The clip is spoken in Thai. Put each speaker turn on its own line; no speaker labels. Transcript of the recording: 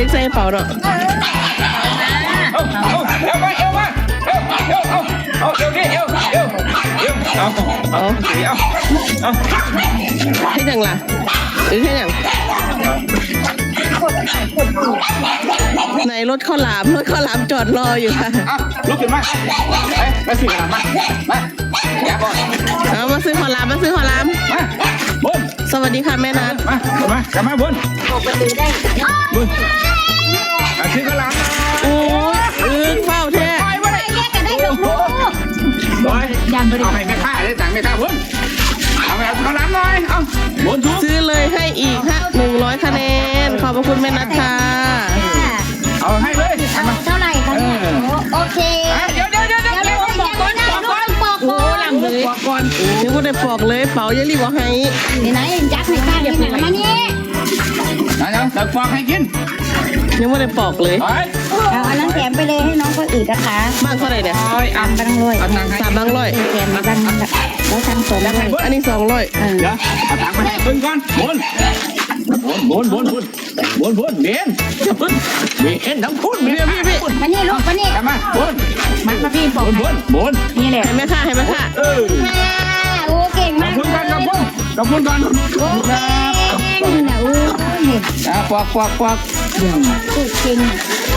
ล็กใส่เป๋าเนาะให้ยังล่ะให้ยังในรถข้าวหลามจอดรออยู่ค่ะ
ลุกขึ้นมามาซื้อข้าวหลามมาอย่าก่อน
เอามาซื้อข้าวหลามมาบนสวัสดีค่ะแม่นัท
กลับมาบนบนซื้อข้าวหลาม
โอ้ยเฝ้าแท้
ยังไม่ได้เอาไปไม่ฆ่าได้ต่างไม่ฆ่าบนเอาไปเอาข้าวหลามหน่อยเอาบน
ซื้อเลยให้อีก100 คะแนนขอบพระคุณแม่นัทค่ะ
เอาให้เลย
เท่าไหร่คะโอเค
เดี๋ยวบอกก่อน
โอ้หลังเลย
บอกก่อนนึกว่าได้ปอกเลยเป๋ายังรีบบอกให้
ไหนยักษ์ในข้างนี่ไหนมาเนี่ย
จะฟอกให้กิน
ยังไม่ได้ปอกเลย
เอาอันนั้นแถมไปเลยให้น้องคนอื่นนะคะ
บ้างเท่าไหร่เนี่ย
3 บังร้อย
3 บังร้อย
แถมบังแล้วทำ200
อันนี้200
เดี๋ยวเอาตังค์ไปให้เพิ่งก่อนบนเบียนทั้งคุณ
พี่
มานี่ลูกมานี่
มาบน
มาพี่บอก
บน
นี่แหละ
ให้แม่ค่ะ
โอ้เก่งมาก
ขอบคุณก่อนโอ้
เก่งนะโอ้
ฟอก
เก่ง